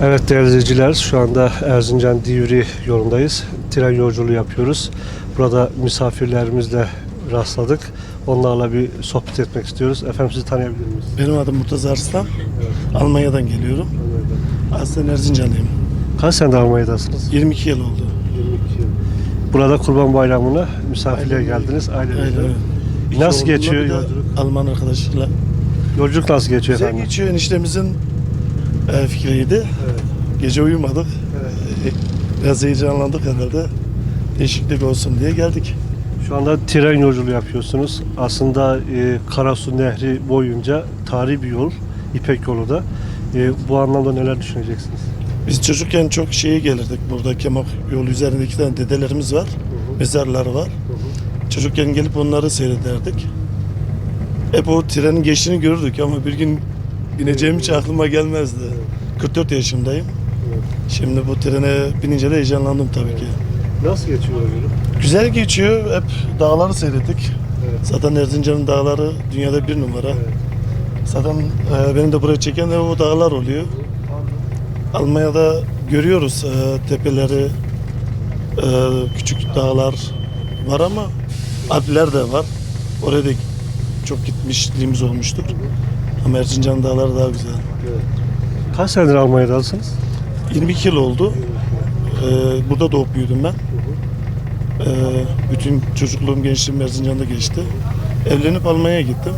Evet değerli izleyiciler, şu anda Erzincan Divri yolundayız. Tren yolculuğu yapıyoruz. Burada misafirlerimizle rastladık. Onlarla bir sohbet etmek istiyoruz. Efendim sizi tanıyabilir miyiz? Benim adım Murtaza Arslan. Almanya'dan geliyorum. Aslen Erzincanlıyım. Kaç senedir Almanya'dasınız? 22 yıl oldu. 22 yıl. Burada Kurban Bayramı'na misafirliğe geldiniz. Ailenizle. Aynen. Nasıl geçiyor Bir de yolculuk? Alman arkadaşlarla. Yolculuk nasıl geçiyor Güzel efendim? geçiyor. Eniştemizin fikriydi. Evet. Gece uyumadık. Evet. Biraz heyecanlandık herhalde. Değişiklik olsun diye geldik. Şu anda tren yolculuğu yapıyorsunuz. Aslında Karasu Nehri boyunca tarihi bir yol. İpek yolu da. Bu anlamda neler düşüneceksiniz? Biz çocukken çok şeye gelirdik. Burada Kemak yolu üzerinde 2 tane dedelerimiz var. Mezarları var. Çocukken gelip onları seyrederdik. Hep o trenin geçtiğini görürdük ama bir gün bineceğim hiç aklıma gelmezdi. 44 yaşındayım. Şimdi bu trene binince de heyecanlandım tabii ki. Nasıl geçiyor yolculuk? Güzel geçiyor. Hep dağları seyrettik. Evet. Zaten Erzincan'ın dağları dünyada bir numara. Evet. Zaten benim de buraya çeken de o dağlar oluyor. Almanya'da görüyoruz tepeleri, küçük dağlar var ama Alpler de var. Oraya da çok gitmişliğimiz olmuştur. Ama Erzincan dağları daha güzel. Evet. Kaç senedir Almanya'dasınız? 22 yıl oldu. Burada doğup büyüdüm ben. Bütün çocukluğum, gençliğim Erzincan'da geçti. Evlenip Almanya'ya gittim.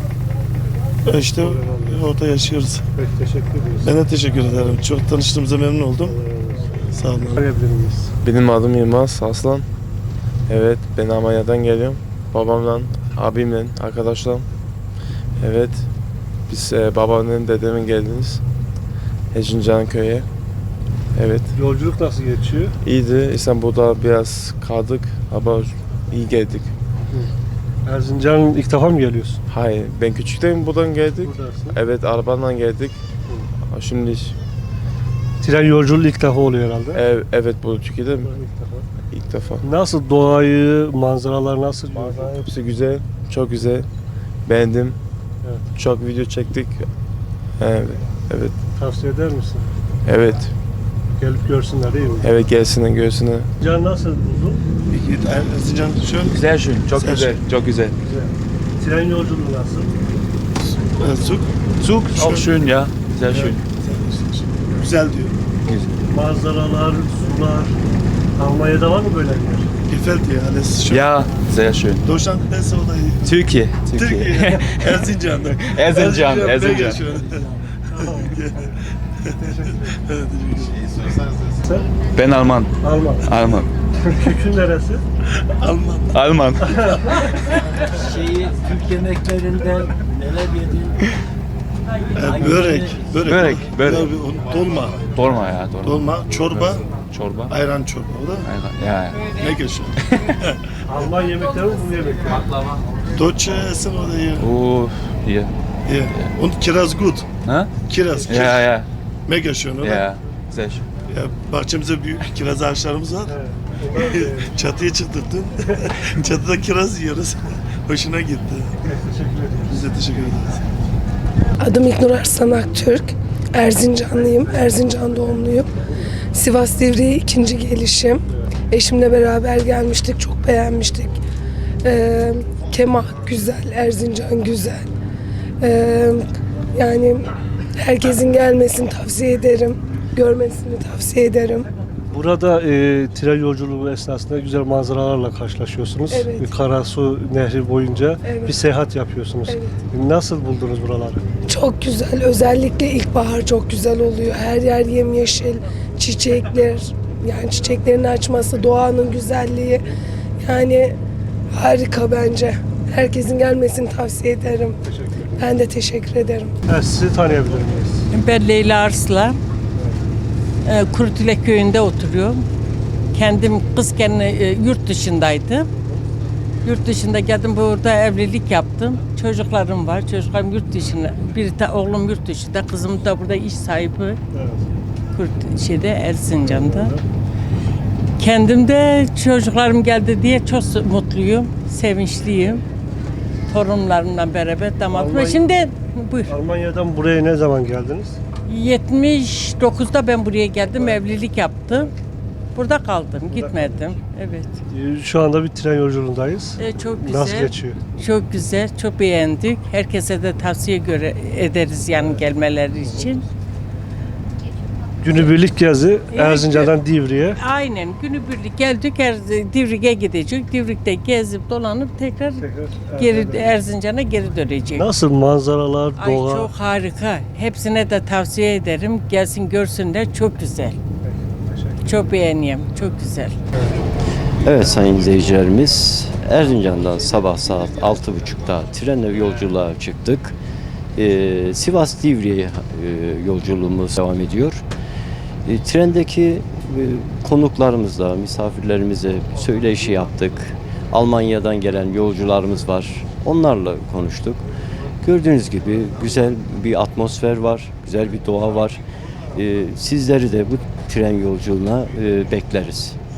İşte orada yaşıyoruz. Peki teşekkür ederiz. Ben de teşekkür ederim. Çok tanıştığımıza memnun oldum. Sağ olun. Tanıyabilir miyiz? Benim adım Yılmaz Aslan. Evet, ben Almanya'dan geliyorum. Babamla, abimle, arkadaşlarım. Evet, biz babamın, dedemin geldiniz. Erzincan köyü. Evet, Yolculuk nasıl geçiyor? iyiydi. İstanbul'da biraz kaldık ama iyi geldik. Erzincan ilk defa mı geliyorsun? Hayır, ben küçükteyim buradan geldik. Buradasın. Evet, arabayla geldik. Şimdi Tren yolculuğu ilk defa oluyor herhalde. evet bu Türkiye'de mi? İlk defa. İlk defa. Nasıl doğayı, manzaralar nasıl? Hepsi güzel, çok güzel. Beğendim. Evet. Çok video çektik. Evet, evet, Tavsiye eder misin? evet, Gelip görsünler değil mi? evet gelsinler, görsünler. Can nasıl buldun? Erzincan şöyle Sehr schön, çok Sehr güzel, çok güzel. Güzel. Tren yolculuğu nasıl? Zug. Zug auch schön, ja, sehr schön. Güzel diyor. Manzaralar, sular. Almanya'da var mı böyle bir yer? Gefällt dir alles schön? Ja, sehr schön. Deutschland besser oder Türkiye, Türkiye? Erzincan'da. Erzincan, mega Erzincan. schön. Sen? Ben Alman, Alman. Alman. Kökün neresi? Alman. Alman. Türk yemeklerinden neler yedin? Börek. Börek, börek. Dolma. Dolma ya, dolma. Dolma, çorba, Çorba. ayran çorba. O da Aynen, ya. mega schön. Alman yemekleri mi bu yemekler? Deutsche essen oder hier? Hier. Hier. Und Kiraz gut. Ha? Kiraz. Ja, ja, Mega schön oder? ja. Sehr schön. Ya, bahçemizde büyük kiraz ağaçlarımız var. Çatıya çıktık dün. Çatıda kiraz yiyoruz. Hoşuna gitti. Biz de teşekkür ederiz. Adım İknur Arslan Aktürk. Erzincanlıyım. Erzincan doğumluyum. Sivas Divriğe ikinci gelişim. Eşimle beraber gelmiştik. Çok beğenmiştik. Kemak güzel, Erzincan güzel. Yani herkesin gelmesini tavsiye ederim. Görmesini tavsiye ederim. Burada tren yolculuğu esnasında güzel manzaralarla karşılaşıyorsunuz. Evet. Karasu Nehri boyunca Evet. bir seyahat yapıyorsunuz. Evet. Nasıl buldunuz buraları? Çok güzel. Özellikle ilkbahar çok güzel oluyor. Her yer yemyeşil, çiçekler. Yani çiçeklerin açması, doğanın güzelliği. Yani harika bence. Herkesin gelmesini tavsiye ederim. Ben de teşekkür ederim. Evet, sizi tanıyabilir miyiz? Ben Leyla Arslan. Kurutülek köyünde oturuyorum. Kendim kızken yurt dışındaydım. Yurt dışında geldim, burada evlilik yaptım. Çocuklarım var. Çocuklarım yurt dışında. Oğlum yurt dışında, kızım da burada iş sahibi. Evet. Erzincan'da. Kendim de çocuklarım geldi diye çok mutluyum, sevinçliyim. Torunlarımla beraber damatım. Almanya- Şimdi buyur. Almanya'dan buraya ne zaman geldiniz? 79'da ben buraya geldim, evlilik yaptım. Burada kaldım, gitmedim. Evet. Şu anda bir tren yolculuğundayız. Çok güzel. Nasıl geçiyor? Çok güzel, çok beğendik. Herkese de tavsiye ederiz yani gelmeleri için. Günübirlik gezi Erzincan'dan Divriğe. Aynen, günübirlik geldik, Divrik'e gidecek. Divrik'te gezip dolanıp tekrar geri Erzincan'a geri dönecek. Nasıl manzaralar, Ay doğa? çok harika. Hepsine de tavsiye ederim. Gelsin görsünler. Çok güzel. Çok beğeniyorum. Çok güzel. Evet sayın izleyicilerimiz, Erzincan'dan sabah saat 6.30'da trenle yolculuğa çıktık. Sivas Divriğe yolculuğumuz devam ediyor. Trendeki konuklarımızla, misafirlerimize söyleşi yaptık. Almanya'dan gelen yolcularımız var. Onlarla konuştuk. Gördüğünüz gibi güzel bir atmosfer var, güzel bir doğa var. Sizleri de bu tren yolculuğuna bekleriz.